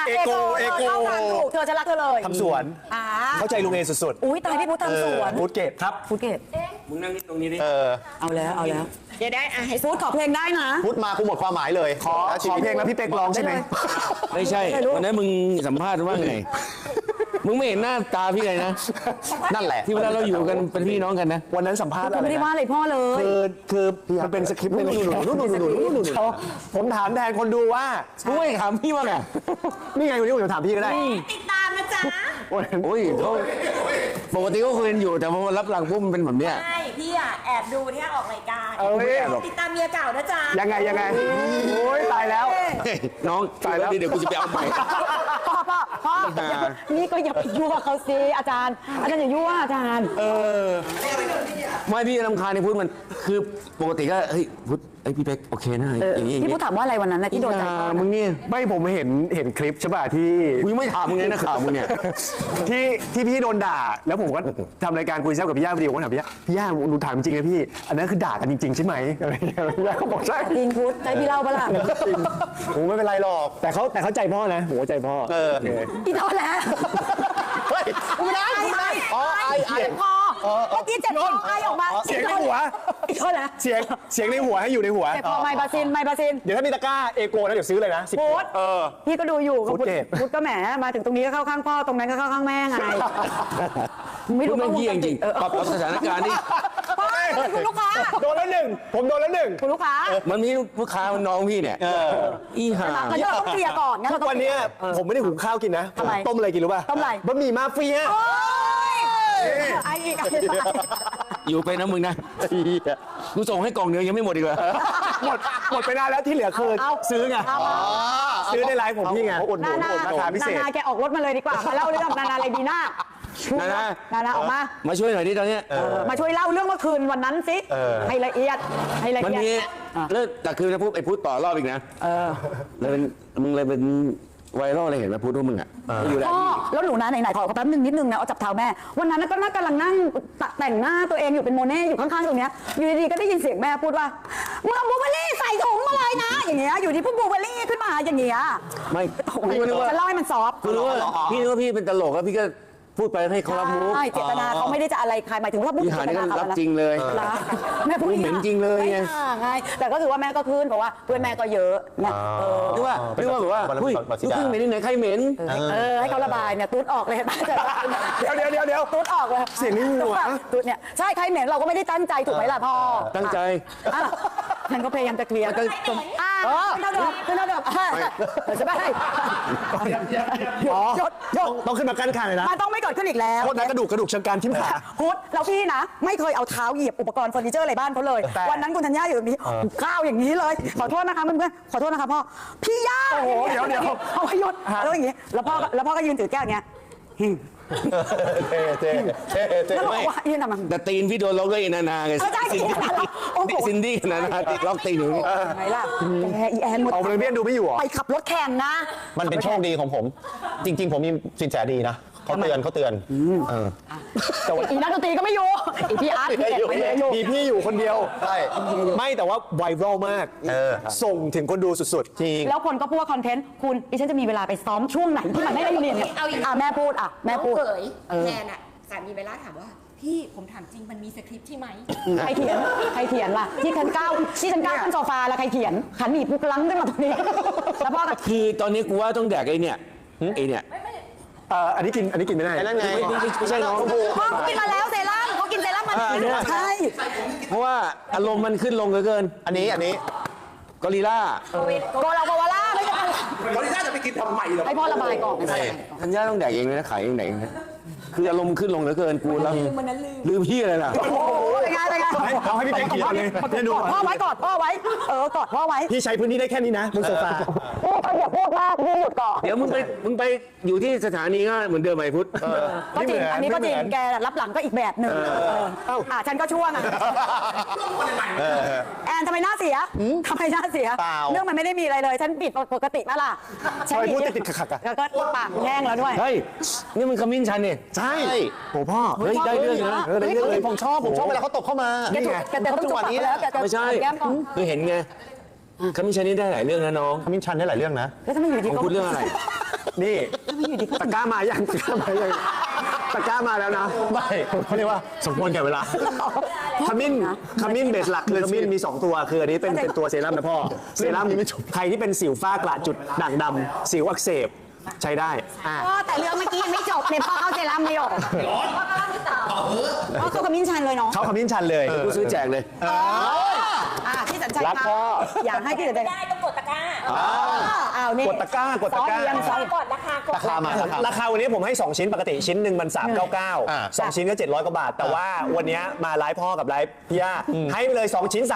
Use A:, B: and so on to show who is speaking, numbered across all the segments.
A: เอโกถูกเธอจะรักเธอเลย
B: ทำสวนเข้าใจลุงเอสุดๆ
A: อุ้ยตายพี่พุทธทำสวน
B: พุทธเกตครับ
A: พุทธเกต
C: มึงนั่งตรงนี้ดิ
A: เอาแล้วเดี๋ยวได้ให้พุทธขอเพลงได้นะ
B: พุทธมากูหมดความหมายเลยขอเพลงแล้วพี่เป๊กร้องใช่ไหม
C: ไม่ใช่วันนั้นมึงสัมภาษณ์ว่าไงมึงไม่เห็นหน้าตาพี่เลยนะ
B: นั่นแหละ
C: ที่เวลาเราอยู่กันเป็นพี่น้องกันนะ
B: วันนั้นสัมภาษณ์อะไร
A: ไม่ได้ว่าอะไรพ่อเลย
B: คือมันเป็นสคริปต์นู่นผมถามแทนคนดูว่า
C: กูไม่ถามพี่ว่าไง
B: นี่ไงวันนี้ผมถามพี่ก็ได้
D: ติดตามนะจ๊ะ
C: โอ้ยเขาปกติก็คุยกันอยู่แต่พอรับหลังปุ๊บมันเป็นแบบเนี้ย
D: ใช่พี่อ่ะแอบดูที่ออกรายการติดตามเมียเก่านะจ๊ะ
B: ยังไงโอ้ยตายแล้ว
C: น้องตายแล้วเดี๋ยวกูจะไปเอาใหม่
A: พ่อนี่ก็อย่าไปยั่วเขาสิอาจารย์อย่ายั่วอาจารย์
C: ไม่พี่รำคาญในพุทธมันคือปกติก็เฮ้ยพุทธไอพี่เป๊กโอเคนะอย่างนี้
A: พี่พุทธถามว่าอะไรวันนั้นนะที่โดนใจ
C: มึงนี่
B: ไม่ผมเห็นคลิปใช่ป่ะที่
C: กูไม่ถามมึงเลยนะข่าวมึงเนี่ย
B: ที่พี่โดนด่าแล้วผมก็ทำรายการคุยแซ่บกับพี่ย่าพอดีผมก็ถามพี่ย่าหนูถามจริงนะพี่อันนั้นคือด่ากันจริงๆใช่ไหมอะไรอย่างเงี้ยพี่ย่าเขาบอกใช่
A: จริงพุทธใจพี่เล่าปะล่ะ
B: ผมไม่เป็นไรหรอกแต่เขาใจพ่อนะผมใจพ่อ
A: พี่ทอดแล้ว
B: ไม่ได้
A: อ๋อไอพอเมื่อกี้เจ็บคอไอออกมา
B: เสียงในหัว
A: อีกเท่าไหร่
B: เสียงในหัวให้อยู่ในหัว
A: เจ็บคอไมบาซิน
B: เดี๋ยวถ้ามีตะกร้าเอโกนะเดี๋ยวซื้อเลยนะ
A: พุทธพี่ก็ดูอยู่พุทธก็แหมมาถึงตรงนี้ก็เข้าข้างพ่อตรงนั้นก็เข้าข้างแม่ไง
C: ไม่รู้มันเยี่ยงจริงปรับสถานการณ์นี่
A: คุณลูกค้า
B: โดนแล้วหนึ่งผมโดนแล้วหนึ่ง
A: คุณลูกค้า
C: มันมีลูกค้ามันน้องพี่เนี่ยอีห่า
A: เราต้องเคลียร์ก่อนงั้น
B: ทุกวันนี้ผมไม่ได้หุงข้าวกินนะต้มอะไรกินรู้ป่ะ
A: ต้มอะไร
B: บะหมี่มาเฟีย
A: ไอ้อีก
C: อยู่ไปนะมึงนะกูส่งให้กล่องเนื้อยังไม่หมดอีกเหรอ
B: หมดไปนานแล้วที่เหลือคือซื้อไงซื้อในไลฟ์ผมพี่ไงราคาพิเศษ
A: นาแกออกรถมาเลยดีกว่ามาเล่าเรื่องนาอะไรดีหน้านาออกมา
C: ช่วยหน่อยดิตอนนี้
A: มาช่วยเล่าเรื่องเมื่อคืนวันนั้นสิให้ละเอียด
C: มันมีเลิกแต่คือจะพูดไอ้พูดต่อรอบอีกนะเลยเป็นมึงเลยเป็นไวรัลอะไรเห็นไหมพูดว่ามึงอ่ะ
A: อยู่แล้วหนูนะไหนขอแป๊บนึงนิดนึงนะเอาจับเท้าแม่วันนั้นก็กำลังนั่งแต่งหน้าตัวเองอยู่เป็นโมเน่อยู่ข้างๆตรงเนี้ยอยู่ดีๆก็ได้ยินเสียงแม่พูดว่ามึงเอาบูเบอรี่ใส่ถุงมาเลยนะอย่างเงี้ยอยู่ดีพวกบูเบอรี่ขึ้นมาอย่างเงี้ย
C: ไม่
A: จะเล่าให้มันซอฟ
C: คือรู้ว่าพี่เป็นตลกแล้วพี่ก็พูดไปให้เขารับรู้
A: ใช่เจตนาเขาไม่ได้จะอะไรใครหมายถึงว่า
C: พี่หานี่ก็รับจริงเลย
A: แม่พูด
C: เหม็นจริงเลยไง
A: แต่ก็คือว่าแม่ก็ขึ้นเพราะว่าเพื่อนแม่ก็เยอะนะ
C: หรือว่าแบบว่าเฮ้ยลูกครึ่งเหม็นที่ไหนใครเหม็น
A: ให้เขาระบายเนี่ยตูดออกเลย
B: เดี๋ยว
A: ตูดออกเลย
B: เสียงนี่หัว
A: ตูดเนี่ยใช่ใครเหม็นเราก็ไม่ได้ตั้งใจถูกไหมล่ะพ่อ
C: ตั้งใจ
A: ฉันก็พยายามจะเคลียร์ขึ้นเท่าเดิมจะไม่ให้
B: ต้องขึ้นมากั้นขาเลยนะ
A: มันต้องไม่เกิดขึ้นอีกแล้ว
B: โคตรกระดูกเชิงการทิ่มขา
A: พุทธแล้วพี่นะไม่เคยเอาเท้าเหยียบอุปกรณ์เฟอร์นิเจอร์อะไรบ้านเขาเลยวันนั้นคุณธัญญาอยู่ตรงนี้ก้าวอย่างนี้เลยขอโทษนะคะเพื่อนๆขอโทษนะคะพ่อพี่ย่า
B: โอ้โหเดี๋ยว
A: เอาให้หยุดแล้วอย่างนี้แล้วพ่อก็ยืนถือแก้วอย่างเงี้ยแล้วบอกว่ายืนทำไม
C: แต่ตีนพี่โดนล็อกด้วยนานาไงซินดี้นานาติดล็อกตีนอยู่
A: ไงล่ะอีแอนหมด
B: เอาเบี้ยดูไม่อยู่
A: ไปขับรถแข่งนะ
B: มันเป็นโชคดีของผมจริงๆผมมีสินแสดีนะเขาเตือน
A: แต่ว่าอีนักดนตรีก็ไม่อยู่อีพี่อาร์ต
B: มีพี่อยู่คนเดียวใช่ไม่แต่ว่าไวรัลมากส่งถึงคนดูสุดๆจริง
A: แล้วคนก็พูดว่าคอนเทนต์คุณดิฉันจะมีเวลาไปซ้อมช่วงไหนที่มันไม่ได้เรียนเนี่ยแม่พูดแม่พูด
D: แนนอ่ะสามีเวลาถามว่าพี่ผมถามจริงมันมีสคริปต์ใช่ไหม
A: ใครเขียนล่ะที่ฉันก้าวขึ้นโซฟาแล้วใครเขียนขันหนีปุ๊กลังขึ้นมาตรงนี้แล้วพ่อ
C: คือตอนนี้กูว่าต้องแดกไอ้เนี่ย
B: อันนี้กินไม่ได้
C: นั่นไงไม่ใช่น้อง
A: พ่อเขากินมาแล้วเซรั่มเขากินเซรั่มมาใช่
C: เพราะว่าอารมณ์มันขึ้นลงเกิน
B: อันนี้
C: กอริลล่า
A: โกล่าไม่ใช่
B: กอริลล่าจะไปกินทำไมหรอ
A: ให้พ่อระบายก่อน
C: ธัญญาต้องแดกเองเลยนะขายเองแดกเองนะคืออารมณ์ขึ้นลงเหลือเกินกูแล้วลืมพี่อะไรล่ะ
A: โอ้โหเป็นไง
B: เอาให้พี่เป็นเกียรติเลย
A: กอดพ่อไว้กอดพ่อไว้
B: พี่ใช้พื้นที่ได้แค่นี้นะบนโซฟา
A: อย่าพูดมากพี่หยุดก่อน
C: เดี๋ยวมึงไปอยู่ที่สถานีก็เหมือนเดิมไหมพุทธ
A: ก็จริงอันนี้ก็จริงแกรับหลังก็อีกแบบหนึ่งฉันก็ช่วงแอนทำไมหน้าเสียเรื่องมันไม่ได้มีอะไรเลยฉันปิดปกติมาล่ะ
B: ใช่พูดติดขัด
A: แล้วก็ปากแห้งแล้วด้วย
C: เฮ้ยนี่มันขมิ้นชันเนี่ย
B: ใช่โหพ่อ
C: เฮ้ยได้เรื่องนะ
B: ได้เรื่องเลยผมชอบเวลาเขาตบเข้ามา
A: แกแต่ต้องจุกปากแล้ว
C: ไม่ใช่คือเห็นไงขมิ้นชันนี่ได้หลายเรื่องนะน้อง
B: ขมิ้นชันได้หลายเรื่องนะ
A: แล้วทำไมอยู่ดี
C: ของ
A: ก็
C: พูดเรื่องอะไร
B: นี่ตะกร้ามายังตะกร้ามายังตะกร้ามาแล้วนะไม่เขาเรียกว่าสมควรแก่เวลาขมิ้นเบสหลักคือขมิ้นมี 2 ตัวคืออันนี้เป็นตัวเซรั่มนะพ่อเซรั่มใครที่เป็นสิวฝ้ากระจุดด่างดำสิวอักเสบใช้ได้
A: พ่อแต่เรื่องเมื่อกี้ยังไม่จบเลยพ่อเข้าเซรั่มไม่ออกพ่อเข้าขมิ้นชันเลยเนาะ
B: เขาขมิ้นชันเลย
C: กูซื้อแจกเลย
A: พี่สัญชัย
B: รัก
A: ครับ
B: พ่อ
A: อยากให้พี่สัญชัย
D: ได้ต้องกดตะกร้า
A: อ้าวนี่
B: กดตะกร้ากดตะกร้า
A: ซอสเรียงซอส
D: กดราคากด
B: ราคาวันนี้ผมให้ 2 ชิ้นปกติชิ้นหนึ่งมัน399 2 ชิ้นก็700 กว่าบาท แต่ว่าวันนี้มาไลฟ์พ่อกับไลฟ์พี่ย่าให้ไปเลย 2 ชิ้น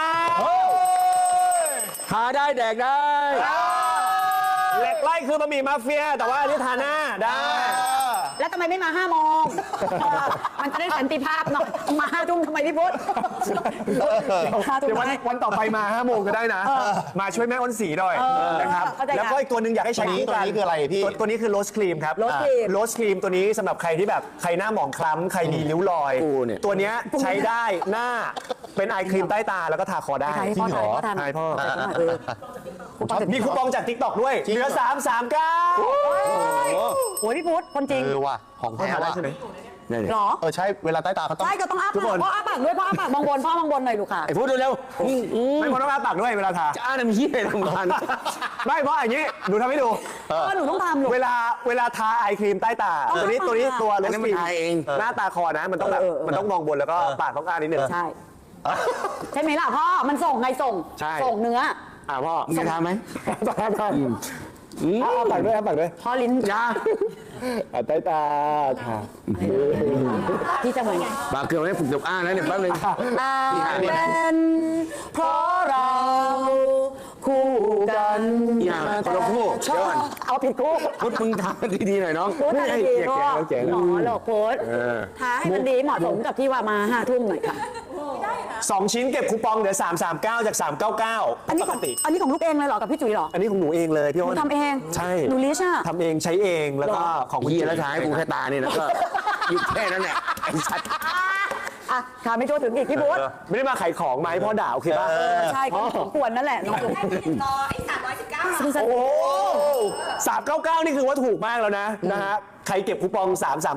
B: 399
C: ทาได้แดกได้
B: เหล็กไล่คือบะหมี่มาเฟีย แต่ว่าอันนี้ทาหน้าได้
A: แล้วทำไมไม่มา5 โมงมันจะได้สันติภาพหน่อยมา5 ทุ่มทำไมพี่พุทธ
B: เดี๋ยววันต่อไปมา5 โมงก็ได้นะ มาช่วยแม่อ้นสีหน่อยนะครับ
A: เข้าใจ
B: แล้วก็อีกตัวหนึ่งอยากให้ใช้คู่กัน
E: ตัวนี้คืออะไรพี่
B: ตัวนี้คือโรสครีมครับ
A: โรสครีม
B: โรสครีมตัวนี้สำหรับใครที่แบบใครหน้าหมองคล้ำใครมีริ้วรอย
C: กูเนี่ย
B: ตัวเนี้ยใช้ได้หน้าเป็นไอครีมใต้ตาแล้วก็ทาคอได้
A: ถ่ายให้พ่อถ่ายพ่อทาน
B: ถ่ายพ่อ
A: มี
B: มีคูปองจาก TikTok ด้วยเหลือ 339
A: โอ้ยพี่พุทธคนจริง
E: ว่ะของ
B: พ่อ
E: แท้
B: ทาได้
E: ว่ะ
B: ใช่ไหม
A: หรอ
E: ใช่เวลาใต้ตาเขาต้อง
A: ใช่ก็ต้องอ้าปากพ่ออ้าปากด้วยพ่ออ้าปากมองบนพ่อมองบนหน่อยลูกค่ะ
C: ไอ้พูดเร็ว
B: ไม่พอต้องอ้าปากด้วยเวลาทา
C: จะอ่านมีอะไรทำงาน
B: ไม่เพราะอย่างนี้หนูทำให้ดู
A: หนูต้องทำลูก
B: เวลาทาไอครีมใต้ตา ตัวนี้ตัว
C: อั
B: โร
C: น
B: ส
C: นั้น
B: ค
C: มัน
B: รีม
C: ทาเอง
B: หน้าตาคอนะมันต้องแบบมันต้องมองบนแล้วก็ปากต้องอ้านิดนึง
A: ใช่ใช่ไหมล่ะพ่อมันส่งไงส่ง
B: ใช่
A: ส่งเนื้อ
B: พ่อ
C: มึงจะทำไหม
B: ทาปากด้วยปากด้วย
A: พ่อลิ้น
C: ยา
B: ใต้ตาทา
A: พี่จะเหมือนไง
C: ปากเกือบไม่ฝึกจบอ้าแล้วเนี่ยแป๊บนึง
A: เป็นเพราะเราคู่กัน
C: อย่าคนละคู่เดี๋ยวก่อน
A: เอาผิดคู่
C: พูดมึงทำดีๆหน่อยน้อง
A: พูดแต่ดีก็หมอหลอกโพสท้าให้มันดีเหมาะสมกับที่ว่ามา5 ทุ่มหน่อยค่ะ
B: 2 ชิ้นเก็บคูปองเหลือ339 จาก 399
A: อันนี้
B: ป
A: ข
B: ก
A: อง
B: ติ
A: อันนี้ของลูกเองเลยเหรอกับพี่จุ๋ยเหรอ
B: อันนี้ของหนูเองเลยพี่
A: หนู
B: อ้น
A: ทำเอง
B: ใช่
A: หนูลิชอ่ะ
B: ทำเองใช้เองแล้วก็ของคุณ
C: เฮีย
B: จิ๊บ
C: แล้วท้ายกูแค่ตานี่นะก็หยุดแค่นั้นแหละไอ้สัตว์
A: อ่ะถามไม่โจถึงอีกพี่บุ๊ท
B: ไม่ได้มาขายของไหมพ่อด่าโอเคป่ะ
A: ใช่ก็สมควรนั่นแหละน้องจุ๋ย
D: ได้ไปติดต่อไอ้319
B: โอ้399 นี่คือว่าถูกมากแล้วนะฮะใครเก็บคูปอง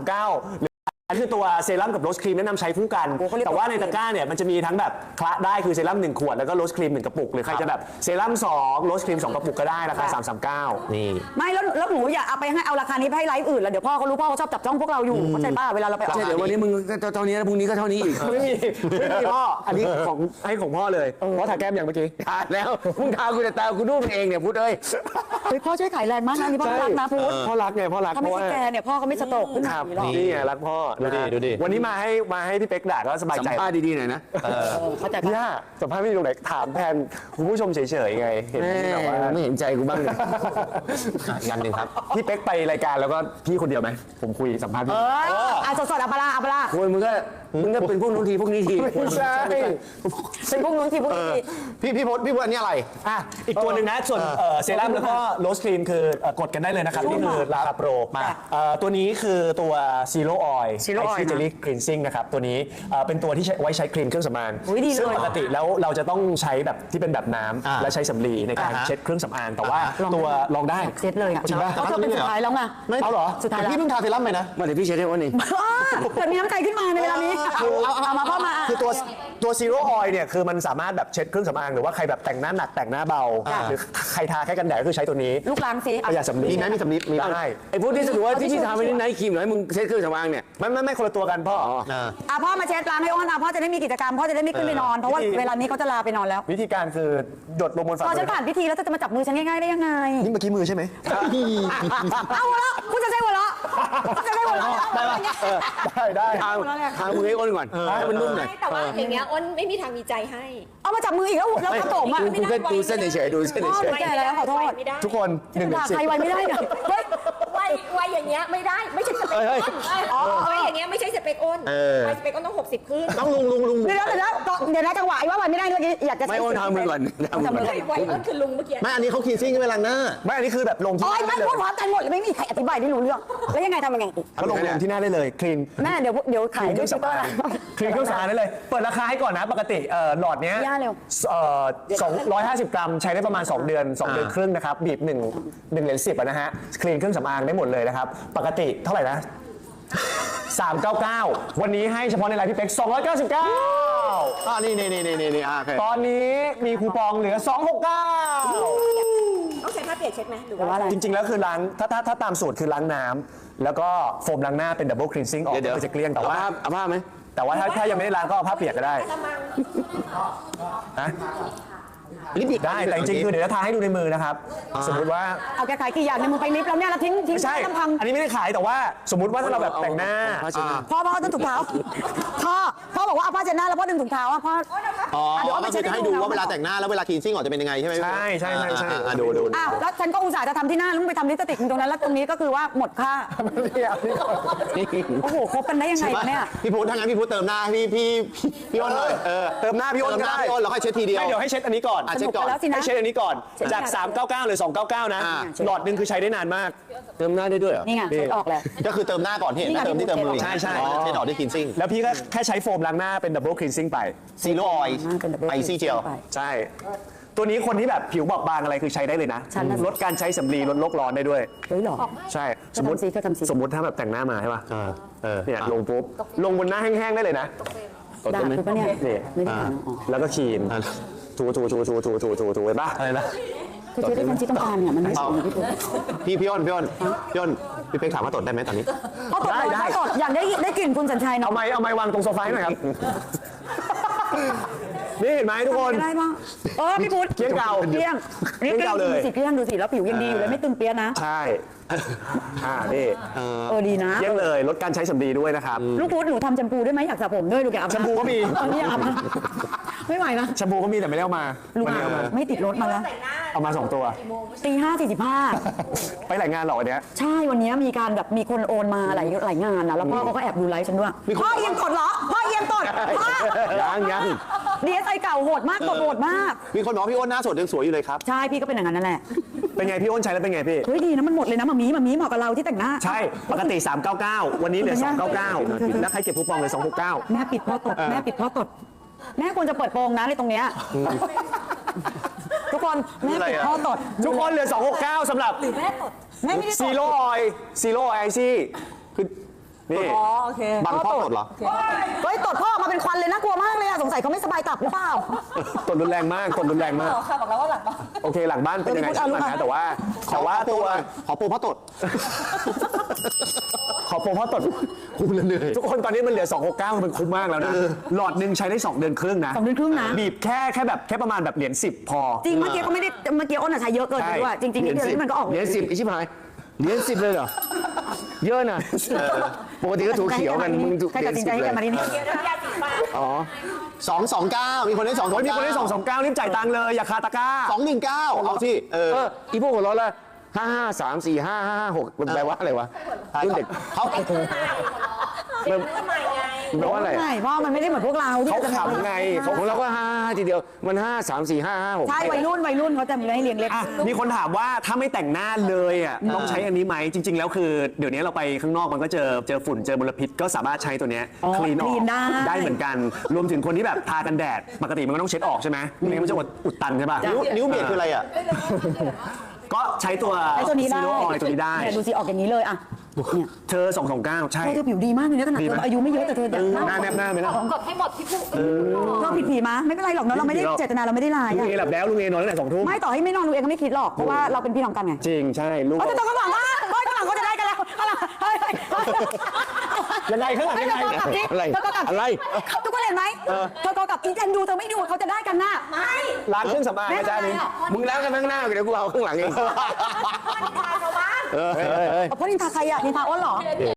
B: 339อันคือตัวเซรั่มกับโรสครีมแนะนำใช้คู่กัน แต่ว่าในตะกร้าเนี่ยมันจะมีทั้งแบบคละได้คือเซรั่ม1 ขวดแล้วก็โรสครีม1 กระปุกหรือใครจะแบบเซรั่ม2โรสครีม2 กระปุกก็ได้ราคา339นี่
A: ไม่แล้วหนูอย่าเอาไปให้เอาราคานี้ไปให้ไลฟ์อื่นแล้วเดี๋ยวพ่อเขารู้พ่อเขาชอบจับจ้องพวกเราอยู่เข้าใจป่ะเวลาเราไปออก
C: ใช่เดี๋ยววันนี้มึงเท่านี้แล้วพรุ่งนี้ก็เท่านี้อีก
B: ไม่มีพ่ออันนี้ของพ่อเลยพ่อถ่ายแก้มอย่างเมื่อกี้
C: ทาแล้วมึงทากูแต่ตากูดูมันเองเนี่ยพูดเอ้ย
A: เฮ้ยพ่อช่วยขายแรงมากนะนี่พ่อรักนะพูด
B: พ่อรักไงพ่อรัก
A: ถ้าไม่ใช่แกเนี่ยพ่อเขาไม่สโตรกขึ้น
B: ค
A: มา
B: รับ
A: อย่างนี้หรอก
B: นี่ไงรักพ่อ
E: ดูดิ
B: วันนี้มาให้พี่เป๊กด่าก็สบาย
C: สัม
B: ใจ
C: ภาษณ์ดีๆหน่อยนะ
A: เข้าใจ
B: พี่
A: ป่ะ
B: ย่าสัมภาษณ์ไม่ดีตรงไหนถามแทนคุณผู้ชมเฉยๆไงเห็น
C: แม่
B: แบบว่า
C: ไม่เห็นใจกูบ้างเลย
E: งานหนึ่งครับ
B: พี่เป๊กไปรายการแล้วก็พี่คนเดียวไหมผมคุยสัมภาษณ์พี่
A: สดๆอัปลาอัปลา
C: คุณมึงก็เป็นพวกนู้นทีพวกนี้ที
B: ไม่ใช่
A: เป็นพวกนู้นทีพวกนี้ที
E: พี่พศอันนี้อะไร
B: อ่ะอีกตัวหนึ่งนะส่วนเซรั่มแล้วก็โรสครีมคือกดกันได้เลยนะครับนี่คือลาโปรมาตัวนี้คือตัวซีโร่ออยล์
A: Zero Oil
B: เจลลี่คลีนซิ่งนะครับตัวนี้เป็นตัวที่ไว้ใช้คลีนเครื่องสำอาง
A: อุ๊ยดีเลย
B: ซึ่งปกติแล้วเราจะต้องใช้แบบที่เป็นแบบน้ำและใช้สำลีในการเช็ดเครื่องสำอางแต่ว่าตัวลองได้
A: เซ็ตเลยอ่ะ
B: จริงป่ะ
A: เพราะเธอเป็นสุดท้ายแล้วไง
B: เอาเหรอ
A: สุดท้ายแล้ว
E: พี่เพิ่งทาเซรั่มไปนะ
C: มาเดี๋ยวพี่เช็ดให้วันนี้
A: เกิดมีน้ำใจขึ้นมาในเวลานี้เอามาพ่อมา
B: คือตัวซีโร่ออยล์เนี่ยคือมันสามารถแบบเช็ดเครื่องสำอางหรือว่าใครแบบแต่งหน้าหนักแต่งหน้าเบาหรือใครทาแค่กันแดดก็คือใช้ตัวนี้
A: ลูกล้างสิ
B: ประหยัดสำลี
E: มีไหมมีสำลีมีไหม
B: ได้
C: ไอ้พวกที่สรุปว่าที่พี่ทำไปนี่ไนท์ครีมเหรอให้มึงเช็ดเครื่องสำอางเนี่ย
B: ไม่คนละตัวกันพ่อ
A: พ่อมาเช็ดล้างให้อ้อนพ่อจะได้มีกิจกรรมพ่อจะได้ไม่ขึ้นไปนอนเพราะว่าเวลานี้เขาจะลาไปนอนแล้ว
B: วิธีการคือหยดลงบนฝ่า
A: พอ
B: มื
A: ฉันผ่านพิธีแล้วจะมาจับมือฉันง่ายๆได้ยังไง
B: นี่เมื่อกี้มือใช่ไหม
A: เอาหัวเราะคุณจะใช้หัวเราะคุณจะใช้หัวเราะ
B: ได้
C: ทางมือให้อ้นก่อนให้มันนุ่มหน่อย
D: แต่ว่าอย่างเงี้ยอ้นไม่มีทางมีใจให้
A: เอามาจับมืออีกแล้วกระโถมอ่ะ
C: กูแค่ดูเส้นเฉยๆดูเส้น
A: พ่อ
C: เฉ
A: หนู
C: ย
A: แก่แล้วขอโทษ
D: ไม่ได้
B: ทุกคน1
A: ด่า
B: ถึง
A: ใครไว้ไม่ได้เนี่ยเฮ้ย
D: ไววัยอย่างเงี้ยไม่ได้ไม่ใช่สเปคอ้นวัยอย่างเงี้ยไม่ใช่สเปคอ้นวัยสเปคอ้นต้อง60ขึ้น
E: ต้องลุง
A: เดี๋ยวนะจังหวะไอ้ว่าวันไม่ได้เมื่อกี้อยากจะ
C: ไม่โอนทางมือก่อนทางมือก่อน
D: วัยอ้นคือลุงเมื่อกี้
E: ไม่อันนี้เขาคีนซิ่งใช่ไหมล้างหน้า
B: ไม่อันนี้คือแบบลงที่
A: โอ๊ย
B: หน้า
A: ไม่
B: ได้เล
A: พูด
B: ย
A: พร้อมกันหมดเลยไม่มีใครอธิบายได้รู้เรื่องแล้วยังไงทำยังไง
B: เขาลงที่หน้าได้เลยคลีน
A: แม่เดี๋ยวขายด้วยชิปเปอร์
B: คลีนเครื่องสำอางได้เลย เปิดราคาให้ก่อนนะปกติหลอดเนี้ย
A: ย่าเร็ว
B: 250 กรัมใช้ได้ประมาณ 2 เดือน 2 เดือนครึ่งนะครับบีบ1เหรียญ10อะนะฮะคลีนเครื่องสำอางได้หมดเลยนะครับปกติเท่าไหร่นะ399วันนี้ให้เฉพาะในไลน์พี่เป๊ก299
E: นี่โอเค
B: ตอนนี้มีคูปองเหลือ 269
D: ต้องใช้ผ้าเปียกเช็ดไหมหรือ
A: แต่ว่า
D: ว่า
A: อะไร
B: จริงๆ แล้วคือล้างถ้าตามสูตรคือล้างน้ำแล้วก็โฟมล้างหน้าเป็นดับเบิลคลีนซิ่งออก
C: เดี๋ยว
B: ก็จะเกลี้ยงแต่ว่า
C: เอาผ้าไหม
B: แต่ว่าถ้ายังไม่ได้ล้างก็เอาผ้าเปียกก็ได้
D: กระมัง
B: นะ
E: ลิปบิด
B: ได้แต่จริงๆคือเดี๋ยวจะทาให้ดูในมือนะครับ สมมุติว่า
A: เอาแกขายกี่อย่างในมือไปลิฟต์แล้วเนี่ยเราทิ้ง
B: ไม่ใช่
A: ลำพัง
B: อันนี้ไม่ได้ขายแต่ว่าสมมุติว่าถ้าเราแบบแต่งหน้า
A: พ่อต้องถุงเท้าพ่อบอกว่าเอาผ้าเช็ดหน้าแล้วพ่อดึงถุงเท้าอ่ะพ่อ
E: อ๋อ
A: เดี๋ยวเอาไป
E: ก็
A: เช็
E: คื
A: ด
E: อ
A: ให้
E: ให้
A: ดู
E: ดู
A: นะ
E: ว่าเวลาแต่งหน้าแล้วเวลาคีนซิ่งออกจะเป็นยังไงใช่ไหม
B: ใช่
E: ดู
A: อ้าวแล้วฉันก็อุตส่าห์จะทำที่หน้าแล้วมึงไปทำลิปสติกตรงนั้นแล้วตรงนี้ก็คือว่าหมดค่าโอ้โหคบกันได้ยังไงวะเนี่ย
E: พี่พุทธถ้างั้นพี่พุทธเติมหน้าให้พี่อ้นเลย
B: เติมหน้าพี่อ้น
E: เติม
B: ก็
E: หน้า
B: ได้
E: พี่อ้นแล้วค่อยเช็ดทีเดียว
B: ไม่เดี๋ยวให้เช็ดอันนี้ก่อน
E: เช็ดก่อน
A: แล้วสินะ
B: ให้เช็ดอันนี้ก่อนจาก 399หรือ299 นะ หลอดหนึ่งคือใช้ได้นานมาก
C: เติมหน้าได้ด้วยเหรอ
A: นี่ไงเช็ดออกเลย
E: ก็คือเติมหน้าก่อนที่เห็นนะเติมที่เติมมือ
B: ใช่
E: เช็ดออกด้วยคีนซิ่ง
B: แล้วพี่ก็แค่ใช้โฟมล้างหน้าเป็นดับเบิลคลีนซิ่งไป
E: ซีโร่ออยล์
A: เป็น double
E: ไอซีเจล
A: ไป
B: ใช่ ตัวนี้คนที่แบบผิวบอบบางอะไรคือใช้ได้เลยนะ
A: ฉันน่ะ
B: ลดการใช้สำลีลดโลกร้อนได้ด้วย
A: เฮ้ยหรอ
B: ใช่
A: ก็ทำสิก็ทำสิ
B: สมมติถ้าแบบแต่งหน้ามาใช่ป่ะ เนี่ย
E: อ่ะ
B: ลงปุ๊บ ลงบนหน้าแห้งๆได้เลยนะ
A: ด่าคือปะเนี่ย
B: นี่
A: ไม่ได้ด่าน้องอ๋อ
B: แล้วก็คลีนถูเห็นปะอะไรนะ
A: คือเช็ดได้คนที่ต้องการเนี่ยมันไม่สวยพี่ปุ๊บ
E: พี่อ้นพี่เป๊กถามว่าตดได้ไหมตอนนี้
A: เขาตด
B: ได้
A: เขาตดอยากได้กลิ่นคุณสัญชัยเนาะ
B: เอาไม้วางตรงโซฟาให้หน่อยครับ นี่เห็นไหมทุกคน
A: ได้บ้างพี่พุทธ
B: เกลี้ยงเก่า
A: เกลี้ยง
B: เกลี้ยงเก่าเลย
A: ดูสิแล้วผิวยังดีอยู่เลยไม่ตึงเปี้ยนะ
B: ใช่นี่
A: ดีนะ
B: เยี่ยงเลยลดการใช้สำลีด้วยนะครับ
A: ลูกพุทธหนูทำแชมพูด้วยไหมอยากสระผมด้วยลูกอยากอาบน้ำ
B: แชมพูก็มี
A: ตอนนี้อยากอาบน้ำไม่ไหวนะ
B: แชมพูก็มีแต่ไม่ได้เอามา
A: ลูก
B: วันนี้เอามา
A: ไม่ติดรถมาแล้ว
B: เอามา 2 ตัว
A: ตี 5:45
B: ไปหลายงานเหรอวันเนี้ย
A: ใช่วันนี้มีการแบบมีคนโอนมาหลายงานนะแล้วพ่อเขาก็แอบดูไลฟ์ฉันด้วยพ่อเอียงตดเหรอพ่อเอียงตดพ่อ
C: ยัง
A: ดีเอสไอเก่าโหดมากตดโหดมาก
E: มีคนบอกว่าพี่อ้นหน้าสดยังสวยอยู่เลยครับ
A: ใช่พี่ก็เป็นอย่างนั้นนั่นแหละ
B: เป็นไงพี่อ้นใช้แล้วเป็นไงพี่
A: เฮ้ยดีนะมันหมดเลยนะมามีเหมาะกับเราที่แต่งหน้า
B: ใช่ ปกติ 399 วันนี้เหลือ 299 แล้วใครเก็บคูปองเลย269
A: แม่ปิดพ่อตดแม่ปิดพ่อตดแม่ควรจะเปิดโปงนะในตรงเนี้ยทุกคนแม่ปิดพ่อตด
B: ทุกคนเหลือ 269สำหรับ
A: แม่ไม่ได้ตด
B: ซีโร่ออยไอซี่คือนี่
A: อ๋อโอเค
E: บังพ่อตดเหรอ
A: เฮ้ยตดพ่อออกมาเป็นควันเลยน่ากลัวมากเลยอะสงสัยเขาไม่สบายตับหรือเปล่า
B: ตดรุนแรงมาก
D: ค่ะบอกแล้วว่าหลังบ้าน
B: โอเคหลังบ้านเป็นยังไงช่างมันนะแต่ว่าตัว
E: ขอโปรพ่อตด
B: ขอโปรเพราะตดคุ้มเหนื่อยทุกคนตอนนี้มันเหลือ 269 มันคุ้มมากแล้วนะ หลอดหนึ่งใช้ได้ 2 เดือนครึ่งนะ
A: 2 เดือนครึ่งนะ
B: บีบแค่ประมาณแบบเหรียญ10 พอ
A: จริงเมื่อกี้เขาไม่ได้เมื่อกี้อ้นอะใช้เยอะเกินไปด้วยจริงๆนิดเดียวนี่มันก็ออก
C: เหรียญ10ไอ้ชิบหายเหรียญ10เลยเหรอ เยอะนะปกติก็ถูกเขียวกันมึงถูก
A: ใคร
C: เหรีย
A: ตั
C: ญ
A: ดสิน
C: 10
A: ใจให้
C: เล
A: กันมาที่นี่
D: เดี๋ยวน้ำยาสีฟัน
C: อ๋อ
E: 229 มีคนได้
B: โอ้ยมีคนได้ 229 รีบจ่ายตังค์เลย อย่าคาตะกร้า
E: 219เอาที่
C: อีพวกหัวเราะละ55345556มันแปลว่าอะไรวะรุ่นเด็ก
E: เขา
D: ทำไมไง
C: แปลว่าอะไร
A: ใช่เพราะมันไม่ได้เหมือนพวกเราที่
B: เขา
A: จะ
B: ขำไง
C: ของเราก็55ทีเดียวมัน5345556
A: ใช่วัยรุ่นเขาจะมีให้เรียงเล็ก
B: อ่ะมีคนถามว่าถ้าไม่แต่งหน้าเลยอ่ะต้องใช้อันนี้ไหมจริง ๆ แล้วคือเดี๋ยวนี้เราไปข้างนอกมันก็เจอฝุ่นเจอมลพิษก็สามารถใช้ตัวเนี้ยคลีนออกได้เหมือนกัน รวมถึงคนที่แบบทากันแดดปกติมันก็ต้องเช็ดออกใช่ไหมไม่งั้นมันจะอุดตันใช่ป่ะ
E: นิ้วเบียดคืออะไรอ่ะ
B: ก็ใช้ตัว
A: ไอ้ตัวนี้ได้
B: ซีโร่ออยตัวนี้ได้
A: เนี่ยดูสิออกอย่างนี้เลยอ่ะเนี่ย
B: เธอ229 ใช่
A: เธอผิวดีมากเลยนะขนาด
B: ดี
A: เธ
B: ไหม
A: ออายุไม่เยอะแต่เธอ
B: หน้าแนบหน้าไหมล่ะ
D: ผมกดให้หมดพี่ปุ๊ก
A: เธอผิดผีมาไม่เป็นไรหรอกเนาะเราไม่ได้เจตนาเราไม่ได้ลาย
B: ลุงเอหลับแล้วลุงเอนอนตั้งแต่2 ทุ่ม
A: ไม่ต่อให้ไม่นอนลูกเองก็ไม่คิดหรอกเพราะว่าเราเป็นพี่น้องกันไง
B: จริงใช่ลูก
A: แต่ข้างหลังข้างหลังเขาจะได้กันแล้วข้างหลังเฮ้ย
B: ยังไงข้างหลังยังไง
A: เธอกลับดิ
C: อะไร
A: เธอก็กลับ
C: อะไร
A: ทุกคนเห็นไหมเธอก็กลับอีแทนดูเธอไม่ดูเขาจะได้กันน่ะ
D: ไม่
B: ร้านเครื่องสำอางนะจ๊ะนี่
C: มึงล้างกันข้างหน้าเดี๋ยวกูเอาข้างหลังเอง
D: ทานชาวบ้าน
C: เออ
A: เพราะนินทาใครอ่ะนินทาอ้นเหรอ